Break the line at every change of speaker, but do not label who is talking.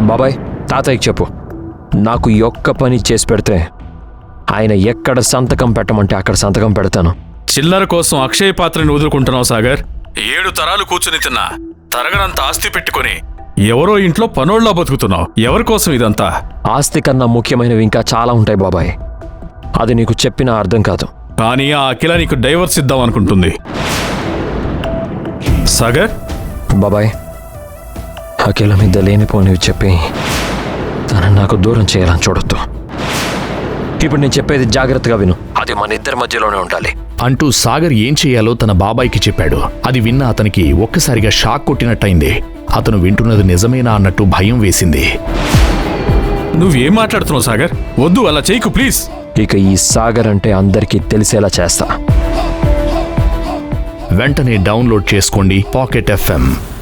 బాబాయ్, తాతయ్యకి చెప్పు, నాకు ఈ ఒక్క పని చేసి పెడితే ఆయన ఎక్కడ సంతకం పెట్టమంటే అక్కడ సంతకం పెడతాను.
చిల్లర కోసం అక్షయ పాత్రని వదులుకుంటున్నావు సాగర్. 7 తరాలు కూర్చుని తిన్నా తరగనంత ఆస్తి పెట్టుకుని ఎవరో ఇంట్లో పనోళ్ళ బతుకుతున్నావు. ఎవరి కోసం ఇదంతా?
ఆస్తి కన్నా ముఖ్యమైనవి ఇంకా చాలా ఉంటాయి బాబాయ్, అది నీకు చెప్పినా అర్థం కాదు.
కానీ ఆ అఖిల నీకు డైవర్స్ ఇద్దాం అనుకుంటుంది. సాగర్,
బాబాయ్, అఖిల మీద లేనిపోనివి చెప్పి తనని నాకు దూరం చేయాలని చూడొద్దు. ఇప్పుడు నేను చెప్పేది జాగ్రత్తగా విను, అది మన ఇద్దరి మధ్యలోనే ఉండాలి
అంటూ సాగర్ ఏం చెయ్యాలో తన బాబాయికి చెప్పాడు. అది విన్న అతనికి ఒక్కసారిగా షాక్ కొట్టినట్టయింది. అతను వింటున్నది నిజమేనా అన్నట్టు భయం వేసింది.
నువ్వేం మాట్లాడుతున్నావు సాగర్? వద్దు, అలా చేయకు ప్లీజ్.
ఇక ఈ సాగర్ అంటే అందరికీ తెలిసేలా చేస్తా.
వెంటనే డౌన్లోడ్ చేసుకోండి పాకెట్ FM.